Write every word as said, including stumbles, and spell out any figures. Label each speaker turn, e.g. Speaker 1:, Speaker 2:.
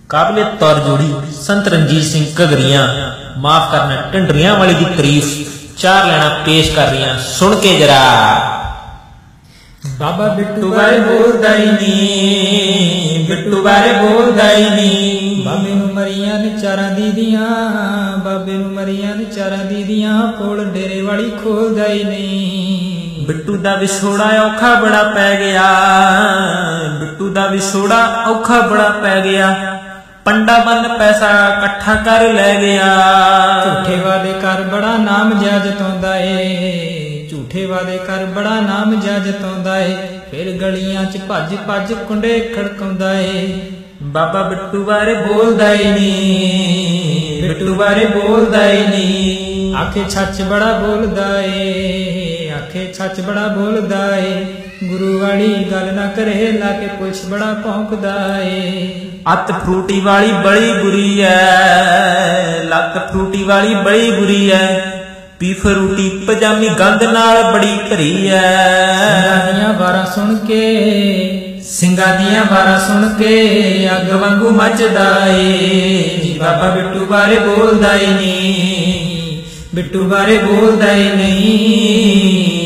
Speaker 1: काबिलियत तौर जोड़ी संत रणजीत सिंह घगरिया माफ करना ढंडरियां वाली की तारीफ चार लाइना पेश कर रही सुन के जरा।
Speaker 2: बाबा बिट्टू बारे बोलदा ही नहीं, बिट्टू बारे बोलदा ही नहीं। बाबे नूं मरियां ने चारां दीदियां, बाबे नूं मरियां ने चारां दीदियां, कोल डेरे वाली खोलदा ही नहीं।
Speaker 1: बिट्टू दा विछोड़ा औखा बड़ा पै गया, बिट्टू दा विछोड़ा औखा बड़ा पै गया, पंडा बंद पैसा कट्ठा कर लै गया।
Speaker 2: झूठे वादे कर बड़ा नाम जताउंदा ए, झूठे वादे कर बड़ा नाम जताउंदा ए, फिर गलियां च भज भज कुंडे खड़काउंदा ए।
Speaker 1: बाबा बिट्टू बारे बोलदा ही नहीं, बिट्टू बारे बोलदा ही नहीं।
Speaker 2: आखे सच बड़ा बोलदा ए, आखे सच बड़ा बोलदा ए, गुरु वाली गल ना करे लाके पुलिस बड़ा भौंकदा ए।
Speaker 1: अत फ्रूटी वाली बड़ी बुरी है, लत फ्रूटी वाली बड़ी बुरी है, पी फ्रूटी पजामी गंद नाल बड़ी भरी है।
Speaker 2: सिंगां दियां वारां सुन के, सिंगां दियां वारां सुन के अग वांगू मचदा ए। जी बाबा बिट्टू बारे बोलदा ही नहीं, बिट्टू बारे बोलदा ही नहीं।